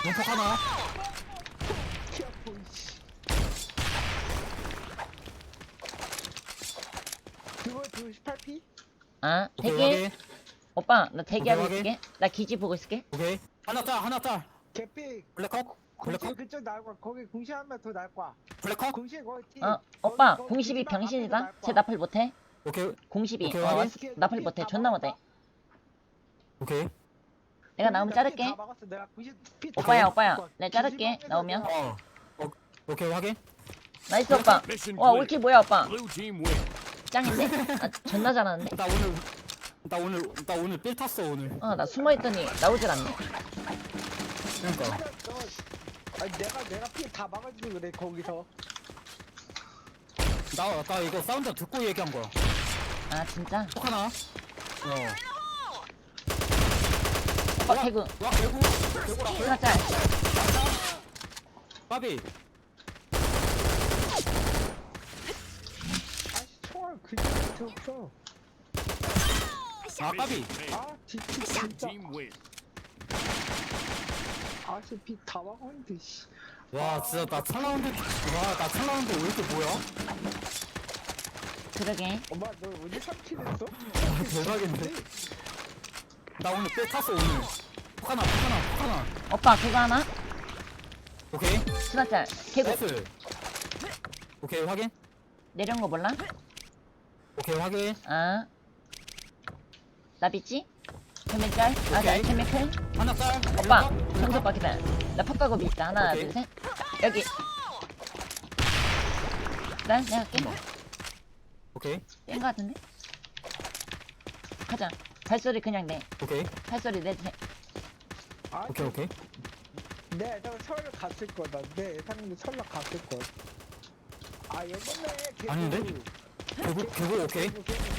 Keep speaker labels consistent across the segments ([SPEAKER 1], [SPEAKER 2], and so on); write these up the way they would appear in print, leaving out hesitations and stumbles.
[SPEAKER 1] 용폭 하나.
[SPEAKER 2] 그거 18P?
[SPEAKER 3] 아
[SPEAKER 1] 오케이,
[SPEAKER 3] 대기.
[SPEAKER 1] 확인.
[SPEAKER 3] 오빠 나 대기하고
[SPEAKER 1] 오케이,
[SPEAKER 3] 있을게. 나 기지 보고 있을게.
[SPEAKER 1] 오케이. 하나 짤.
[SPEAKER 2] 개피.
[SPEAKER 1] 블랙컷.
[SPEAKER 2] 공시
[SPEAKER 1] 블랙컷.
[SPEAKER 2] 그쪽 나올 거야. 거기 공시 한명 더 나올 거야.
[SPEAKER 1] 블랙컷.
[SPEAKER 2] 공시 거기 T.
[SPEAKER 3] 오빠
[SPEAKER 2] 거기
[SPEAKER 3] 공십이
[SPEAKER 2] 기지방 앞에도
[SPEAKER 3] 병신이다.
[SPEAKER 2] 나올
[SPEAKER 3] 쟤
[SPEAKER 2] 거야.
[SPEAKER 3] 나풀 못해.
[SPEAKER 1] 오케이.
[SPEAKER 3] 공십이
[SPEAKER 1] 오케이,
[SPEAKER 3] 어
[SPEAKER 1] 확인.
[SPEAKER 3] 나풀 못해. 존나 못해.
[SPEAKER 1] 오케이.
[SPEAKER 3] 내가 나오면 자를게.
[SPEAKER 2] 다 막았어. 내가 90 P
[SPEAKER 3] 오빠야 내가 자를게 나오면.
[SPEAKER 1] 오케이, 확인.
[SPEAKER 3] 나이스 오빠.
[SPEAKER 4] Mission
[SPEAKER 3] 와
[SPEAKER 4] clear.
[SPEAKER 3] 올킬 뭐야 오빠.
[SPEAKER 4] Blue team win.
[SPEAKER 3] 짱인데? 아 존나 잘하는데?
[SPEAKER 1] 나 오늘 삘 탔어, 오늘.
[SPEAKER 3] 나 숨어있더니 나오질 않네.
[SPEAKER 1] 그러니까.
[SPEAKER 2] 아니 내가 피 다 막아주고 그래 거기서.
[SPEAKER 1] 나 이거 사운드 듣고 얘기한 거야.
[SPEAKER 3] 아 진짜?
[SPEAKER 1] 폭 하나.
[SPEAKER 3] 오빠 개구.
[SPEAKER 1] 와, 개구라.
[SPEAKER 3] 하나 짤.
[SPEAKER 1] 까비.
[SPEAKER 2] 아씨 총알 그게 없어.
[SPEAKER 1] 아, 까비.
[SPEAKER 4] Made.
[SPEAKER 2] 아 진짜
[SPEAKER 4] Blue
[SPEAKER 2] 진짜.
[SPEAKER 4] team win.
[SPEAKER 2] 아씨 피 다 막았는데 씨.
[SPEAKER 1] 와, 진짜 나 찰라운드 왜 이렇게 뭐야?
[SPEAKER 3] 그러게.
[SPEAKER 2] 엄마 너 언제 3킬 했어?
[SPEAKER 1] 대박인데? 나 오늘 삘 탔어, 오늘. 폭 하나.
[SPEAKER 3] 오빠 그거 하나?
[SPEAKER 1] 오케이.
[SPEAKER 3] 하나 짤. 개구.
[SPEAKER 1] 나이스. 오케이, 확인.
[SPEAKER 3] 내려온 거 몰라?
[SPEAKER 1] 오케이, 확인.
[SPEAKER 3] 아. 나 믿지? 캠밀 짤? 나
[SPEAKER 1] 오케이.
[SPEAKER 3] 캠밀 클?
[SPEAKER 1] 하나 짤.
[SPEAKER 3] 오빠
[SPEAKER 1] 블랙컷.
[SPEAKER 3] 점수 오빠 기다려. 나 퍽가고 있다. 하나
[SPEAKER 1] 오케이.
[SPEAKER 3] 둘 셋. 여기. 난 내가 할게.
[SPEAKER 1] 오케이.
[SPEAKER 3] 뺀거 같은데? 가자. 발소리 그냥 내.
[SPEAKER 1] 오케이.
[SPEAKER 3] 발소리 내주세요.
[SPEAKER 2] 아,
[SPEAKER 1] 오케이.
[SPEAKER 2] 내 예상은 서울 갔을 거다. 내 예상은 서울 갔을 거. 아 이번에 개구.
[SPEAKER 1] 아닌데? 개구, 오케이.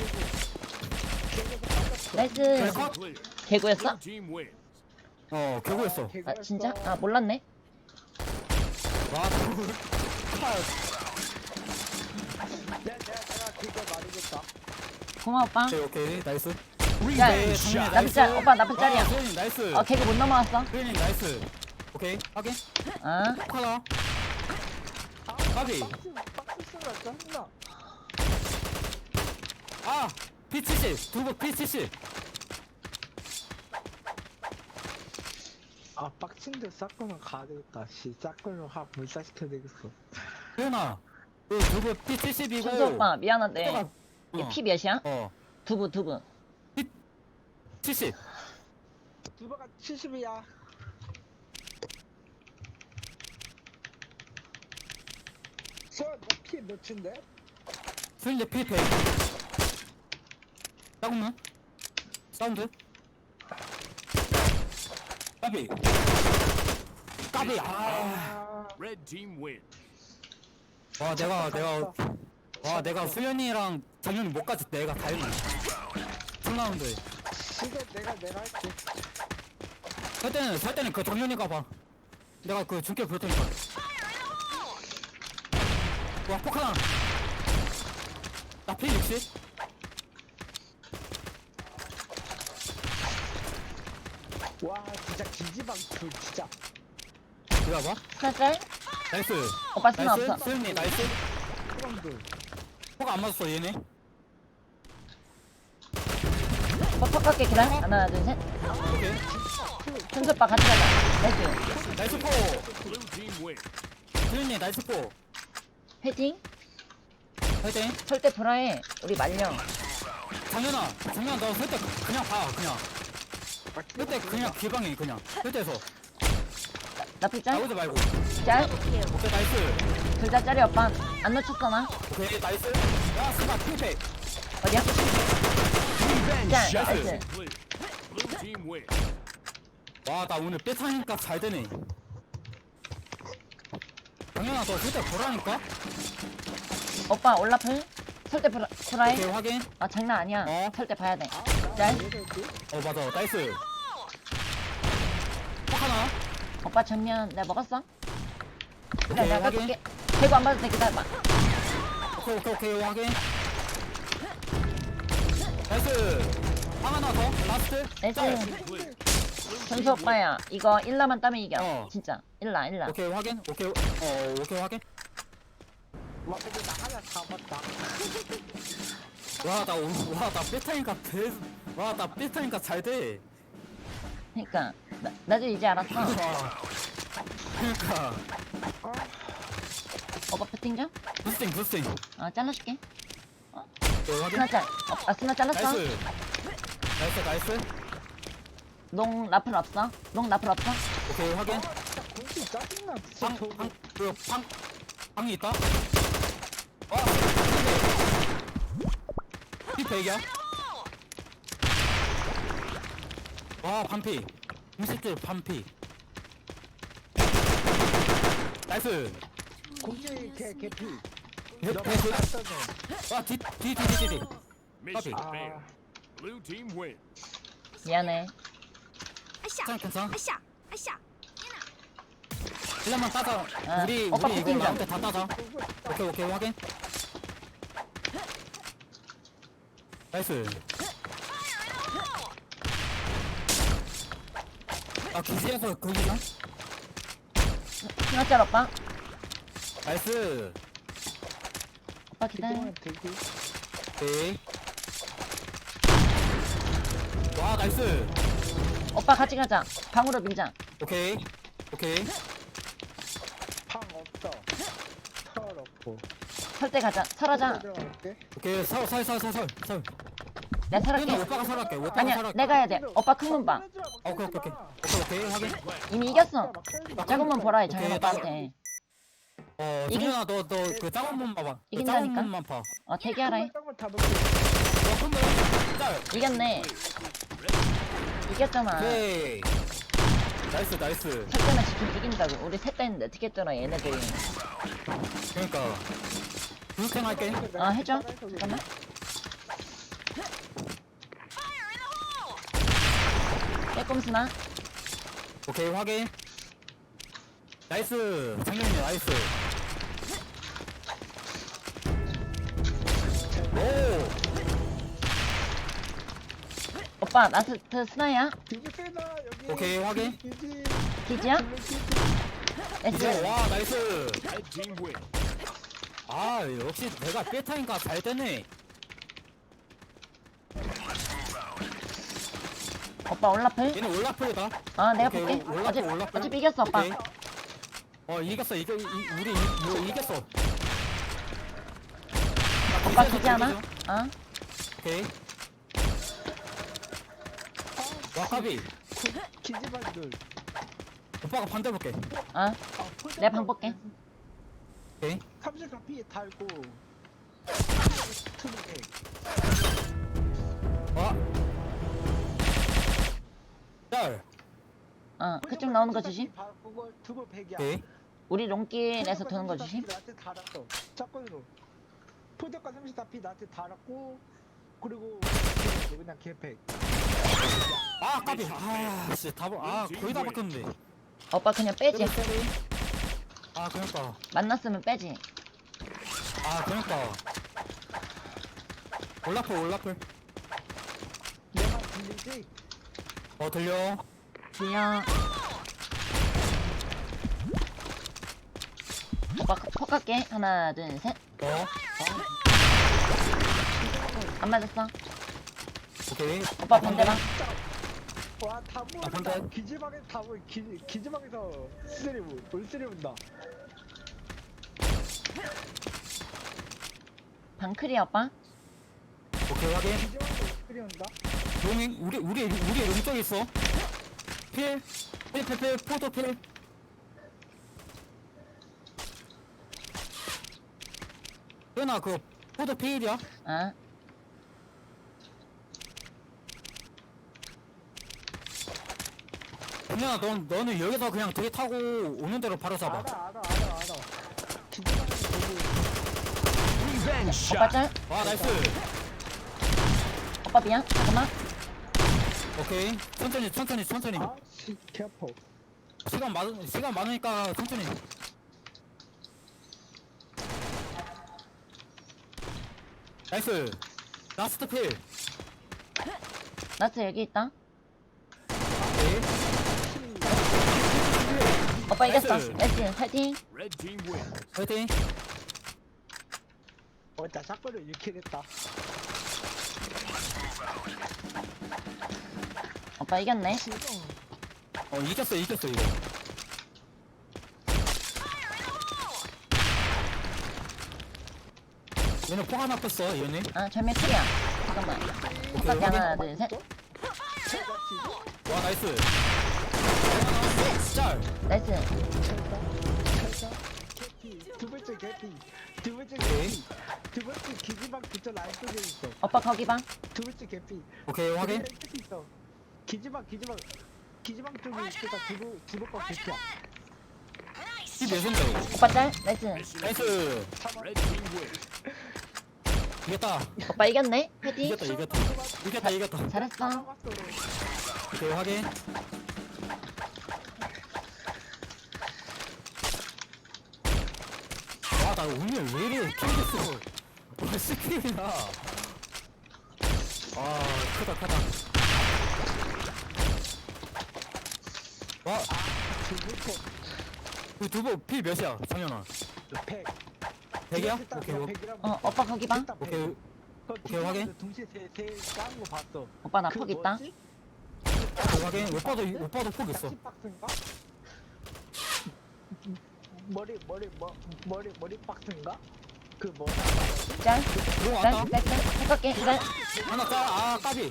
[SPEAKER 3] 나이스.
[SPEAKER 1] 블랙컷.
[SPEAKER 4] Clear.
[SPEAKER 3] 개구였어?
[SPEAKER 4] Blue team win.
[SPEAKER 1] 개구였어.
[SPEAKER 3] 아 진짜? 아 몰랐네.
[SPEAKER 1] 와,
[SPEAKER 2] 내가 그거 말해줬다.
[SPEAKER 3] 고마워 오빠.
[SPEAKER 1] 오케이. 나이스.
[SPEAKER 3] 짤.
[SPEAKER 1] 네, 당연히
[SPEAKER 3] 나쁜 짤. 오빠 나쁜 짤이야.
[SPEAKER 1] 소연이 나이스.
[SPEAKER 3] 개구 못 넘어왔어.
[SPEAKER 1] 소연이 나이스. 오케이. 확인.
[SPEAKER 3] 아.
[SPEAKER 1] 하나. 까비.
[SPEAKER 2] 박스 쓰라 짠나.
[SPEAKER 1] 아! P70. 두부 P70.
[SPEAKER 2] 아 빡친데 싹거는 가야 되겠다. 씨 싹거는 확 물사시켜야 되겠어.
[SPEAKER 1] 소연아. 그 두부 P70이고.
[SPEAKER 3] 천수 오빠 미안한데
[SPEAKER 1] 어.
[SPEAKER 3] 피 몇이야?
[SPEAKER 1] 어.
[SPEAKER 3] 두부
[SPEAKER 1] 70.
[SPEAKER 2] 두바가 70이야. 피 몇인데?
[SPEAKER 1] 소연이 P100. 싸우면? 사운드? 까비. 까비. 아.
[SPEAKER 4] Red team win.
[SPEAKER 1] 내가 수연이랑 작년에 못 가지. 내가 다 했네. 3라운드.
[SPEAKER 2] 이거 내가 할게.
[SPEAKER 1] 살 때는 그 정연이가 봐. 내가 그 중계 볼 테니까. 와, 폭 하나. 나 P60.
[SPEAKER 2] 와 진짜 기지방 둘 진짜.
[SPEAKER 1] 이거 봐.
[SPEAKER 3] 하나 짤?
[SPEAKER 1] 나이스.
[SPEAKER 3] 오빠 스나
[SPEAKER 1] 나이스.
[SPEAKER 3] 없어.
[SPEAKER 1] 수연이 나이스.
[SPEAKER 2] 사람들.
[SPEAKER 1] 폭 안 맞았어, 얘네.
[SPEAKER 3] 오빠 퍽 갈게 기다려. 하나 둘 셋.
[SPEAKER 1] 오케이.
[SPEAKER 3] 천수 오빠 같이 가자. 나이스.
[SPEAKER 1] 나이스 포.
[SPEAKER 4] Blue team win.
[SPEAKER 1] 수연이 나이스 포.
[SPEAKER 3] 화이팅.
[SPEAKER 1] 화이팅.
[SPEAKER 3] 절대 불화해. 우리 말려.
[SPEAKER 1] 장현아 너 설 때 그냥 봐, 그냥. 설 때 그냥 기방해, 그냥. 설때에서
[SPEAKER 3] 나쁠 짤?
[SPEAKER 1] 나오지 말고.
[SPEAKER 3] 짤?
[SPEAKER 1] 오케이, 나이스.
[SPEAKER 3] 둘 다 짤이 오빠. 안 놓쳤어 나.
[SPEAKER 1] 오케이, 나이스. 야, 스마 핑팩.
[SPEAKER 3] 어디야? 짤.
[SPEAKER 1] 나이스.
[SPEAKER 3] 나이스.
[SPEAKER 4] Clear. Blue team win.
[SPEAKER 1] 와, 나 오늘 뺏하니까 잘 되네. 장현아, 너 설 때 보라니까?
[SPEAKER 3] 오빠 올라플? 설때 불화해?
[SPEAKER 1] 오케이, 확인.
[SPEAKER 3] 아 장난 아니야.
[SPEAKER 1] 어.
[SPEAKER 3] 설때 봐야 돼. 짤?
[SPEAKER 1] 맞아, 나이스. 폭 하나.
[SPEAKER 3] 오빠 전면 내가 먹었어?
[SPEAKER 1] 오케이,
[SPEAKER 3] 내가
[SPEAKER 1] 확인.
[SPEAKER 3] 깎을게. 대구 안 받아도 돼. 기다려봐.
[SPEAKER 1] 오케이, 확인. 나이스. 하나 더, 라스트.
[SPEAKER 3] 나이스.
[SPEAKER 4] Clear. Blue
[SPEAKER 3] 전수 오빠야 이거 1라만 따면 이겨.
[SPEAKER 1] 어.
[SPEAKER 3] 진짜 1라.
[SPEAKER 1] 오케이 확인. 오케이 오케이 확인.
[SPEAKER 2] 와 근데 나 하나 잡았다.
[SPEAKER 1] 와나 삐타니까 와나 삐타니까 잘 돼.
[SPEAKER 3] 그러니까 나도 이제 알았어.
[SPEAKER 1] 와. 그러니까
[SPEAKER 3] 오빠 패팅 좀?
[SPEAKER 1] 부스팅.
[SPEAKER 3] 잘라줄게.
[SPEAKER 1] 오케이 확인.
[SPEAKER 3] 스나 짤. 스나 잘랐어.
[SPEAKER 1] 나이스.
[SPEAKER 3] 롱 라플 없어.
[SPEAKER 1] 오케이 확인.
[SPEAKER 2] 진짜 공기 짜증나. 진짜 저거.
[SPEAKER 1] 방이 있다. 와. 피 100이야. 와 반피. 60줄 반피. 나이스.
[SPEAKER 2] 공기 개피.
[SPEAKER 1] 개 와, 뒤.
[SPEAKER 4] Mission
[SPEAKER 2] Ah.
[SPEAKER 4] failed. Blue team win.
[SPEAKER 3] 미안해.
[SPEAKER 1] 괜찮아.
[SPEAKER 5] 아샤 아샤
[SPEAKER 1] 1만 따자.
[SPEAKER 3] 아,
[SPEAKER 1] 우리
[SPEAKER 3] 오빠
[SPEAKER 1] 이거
[SPEAKER 3] 부팅자.
[SPEAKER 1] 라운드 다 따자. 오케이 확인. 나이스. 기지에서 거기나?
[SPEAKER 3] 스나 짤 오빠.
[SPEAKER 1] 나이스.
[SPEAKER 3] 오빠 기다려.
[SPEAKER 2] 되게.
[SPEAKER 1] 오케이. 와 나이스.
[SPEAKER 3] 오빠 같이 가자. 방으로 밀자.
[SPEAKER 1] 오케이.
[SPEAKER 2] 방 없어. 털 없고.
[SPEAKER 3] 설대 가자. 설하자.
[SPEAKER 2] 들어갈게.
[SPEAKER 1] 오케이 설.
[SPEAKER 3] 내가 설할게.
[SPEAKER 1] 오빠가 설할게.
[SPEAKER 3] 아니야, 내가 해야 돼. 오빠 큰 문 봐.
[SPEAKER 1] 오케이 확인.
[SPEAKER 3] 이미 이겼어. 작은 문 보라 해,
[SPEAKER 1] 오케이,
[SPEAKER 3] 정현 오빠한테. 이긴-
[SPEAKER 1] 정현아 너 그 작은 몸 봐봐. 그
[SPEAKER 3] 이긴다니까?
[SPEAKER 1] 작은 몸만 봐.
[SPEAKER 3] 대기하라 해.
[SPEAKER 2] 다 먹게.
[SPEAKER 1] 짤.
[SPEAKER 3] 이겼네. 이겼잖아.
[SPEAKER 1] 오케이. 나이스.
[SPEAKER 3] 설대만 지금 이긴다고. 우리 셋 다 했는데 어떻게 했더라, 얘네들이.
[SPEAKER 1] 그러니까 불행 할게.
[SPEAKER 3] 해줘. 잠깐만. 빼꼼스나.
[SPEAKER 1] 오케이 확인. 나이스. 장현이 나이스. 오.
[SPEAKER 3] 오빠, 나스트 스나야?
[SPEAKER 2] 되게 세다 여기.
[SPEAKER 1] 오케이, 확인.
[SPEAKER 2] 기지.
[SPEAKER 3] 기지야?
[SPEAKER 1] 이제
[SPEAKER 3] S.
[SPEAKER 1] 와 나이스.
[SPEAKER 4] Red team win.
[SPEAKER 1] 아 역시 내가 삐타니까 잘 되네.
[SPEAKER 3] 오빠 올라플?
[SPEAKER 1] 얘는 올라프다.
[SPEAKER 3] 내가
[SPEAKER 1] 오케이,
[SPEAKER 3] 볼게.
[SPEAKER 1] 올라플.
[SPEAKER 3] 어차피 이겼어, 오빠.
[SPEAKER 1] 오케이. 이겼어. 우리 이겼어.
[SPEAKER 3] 오빠 기지 하나?
[SPEAKER 1] 오케이. 와카비.
[SPEAKER 2] 기지반들.
[SPEAKER 1] 오빠가 반대 볼게.
[SPEAKER 3] 내가 방 볼게.
[SPEAKER 1] 오케이.
[SPEAKER 2] 34P 달고. 투르게.
[SPEAKER 1] 와. 짤.
[SPEAKER 3] 그쪽 나오는 거 조심.
[SPEAKER 2] 그거 두고 100이야.
[SPEAKER 1] 오케이.
[SPEAKER 3] 우리 롱길에서 도는 거 조심.
[SPEAKER 2] 나한테 달았어. 짝꿍으로. 포대가 34P 나한테 달았고 그리고 그냥 개팩.
[SPEAKER 1] 아 까비. 씨 거의 다 바뀌었는데.
[SPEAKER 3] 오빠 그냥 빼지.
[SPEAKER 1] 그러니까.
[SPEAKER 3] 만났으면 빼지.
[SPEAKER 1] 그러니까. 올라플.
[SPEAKER 2] 내가 들리지?
[SPEAKER 1] 들려.
[SPEAKER 3] 들려. 오빠 폭 갈게. 하나, 둘, 셋. 안 맞았어.
[SPEAKER 1] 오케이.
[SPEAKER 3] 오빠 반대방.
[SPEAKER 2] 와, 다
[SPEAKER 1] 반대.
[SPEAKER 2] 모른다. 기지방에 다 모르. 기지방에서 울쓰리 온다.
[SPEAKER 3] 방클이야, 오빠.
[SPEAKER 1] 오케이 확인.
[SPEAKER 2] 기지방에서 울쓰리 온다.
[SPEAKER 1] 용잉 우리 용적 있어. 필 포도 필. 현아 그 포도 필이야. 현아 너는 여기서 그냥 되게 타고 오는 대로 바로 잡아.
[SPEAKER 2] 알아. 기지방에서 거기.
[SPEAKER 4] Revenge
[SPEAKER 3] 오빠
[SPEAKER 4] shot.
[SPEAKER 3] 짤.
[SPEAKER 1] 와 나이스.
[SPEAKER 3] 오빠 미안. 잠깐만.
[SPEAKER 1] 오케이 천천히.
[SPEAKER 2] 개 아파.
[SPEAKER 1] 시간 많으니까 천천히. 나이스. 라스트 필.
[SPEAKER 3] 나스 여기 있다.
[SPEAKER 1] 오케이.
[SPEAKER 3] 오빠 이겼어.
[SPEAKER 1] 나이스.
[SPEAKER 3] 나이스. 파이팅.
[SPEAKER 4] Red team wins.
[SPEAKER 1] 파이팅.
[SPEAKER 2] 나 샷건을 이렇게 했다.
[SPEAKER 3] 오빠 이겼네.
[SPEAKER 1] 이겼어 이거. 얘는 포 하나 뺐어 얘네.
[SPEAKER 3] 아, 절매 풀이야. 잠깐만. 오빠 하나, 둘, 셋.
[SPEAKER 1] 와 나이스. 짤.
[SPEAKER 3] 나이스.
[SPEAKER 2] 두 번째 개피. 두 번째
[SPEAKER 1] 오케이.
[SPEAKER 2] 개피. 두 번째 기지방 그쪽 라인 쪽에 있어.
[SPEAKER 3] 오빠 거기 봐.
[SPEAKER 2] 두 번째 개피.
[SPEAKER 1] 오케이 확인.
[SPEAKER 2] 개피 있어. 기지방 쪽에 있으니까 두번 개피야.
[SPEAKER 1] 이 몇인데?
[SPEAKER 3] 오빠 짤. 나이스.
[SPEAKER 1] 나이스.
[SPEAKER 4] Red team wins.
[SPEAKER 1] 이겼다.
[SPEAKER 3] 오빠 이겼네. 파이팅.
[SPEAKER 1] 이겼다.
[SPEAKER 3] 잘했어.
[SPEAKER 1] 오케이 확인. 와나 오늘 왜 이래 킬됐어. 오늘 스킬이나. 아 크다. 와 그 두부 피 몇이야 정현아?
[SPEAKER 2] 100.
[SPEAKER 1] 100이야? 오케이.
[SPEAKER 3] 오빠 거기 봐.
[SPEAKER 1] 오케이. 오케이, 확인.
[SPEAKER 2] 동시에 세 까는 거 봤어.
[SPEAKER 3] 오빠 나 퍽 있다.
[SPEAKER 1] 오케이, 확인. 오빠도 폭 있어.
[SPEAKER 2] 박스인가? 머리 박스인가? 그 뭐야?
[SPEAKER 3] 짤.
[SPEAKER 1] 이거
[SPEAKER 3] 짤.
[SPEAKER 1] 왔다.
[SPEAKER 3] 나이스. 해볼게. 짤.
[SPEAKER 1] 하나 짤. 아 까비.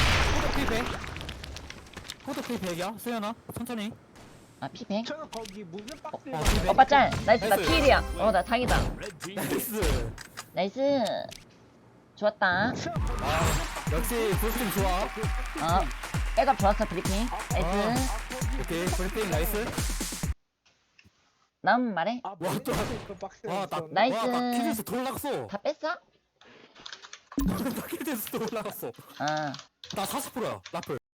[SPEAKER 1] 포도 피 100이야. 수연아 천천히.
[SPEAKER 3] 아, 피100.
[SPEAKER 2] 저는 거기 무슨 박스에
[SPEAKER 1] 피 100.
[SPEAKER 3] 오빠 짤. 나이스. 나
[SPEAKER 1] 나이스.
[SPEAKER 3] 필이야. 나 다행이다.
[SPEAKER 4] Red team wins.
[SPEAKER 1] 나이스.
[SPEAKER 3] 나이스. 좋았다.
[SPEAKER 1] 아 역시 브리핑 좋아.
[SPEAKER 3] 백업 좋았어, 브리핑. 나이스.
[SPEAKER 1] 오케이 브리핑 나이스.
[SPEAKER 3] 남 말해.
[SPEAKER 2] 아,
[SPEAKER 1] 와, 또-
[SPEAKER 2] 박스에
[SPEAKER 1] 와나
[SPEAKER 3] 나이스.
[SPEAKER 1] 키즈에서 더 올라갔어.
[SPEAKER 3] 다 뺐어?
[SPEAKER 1] 나 키즈에서 더 올라갔어.
[SPEAKER 3] 아.
[SPEAKER 1] 나 40%야 라플.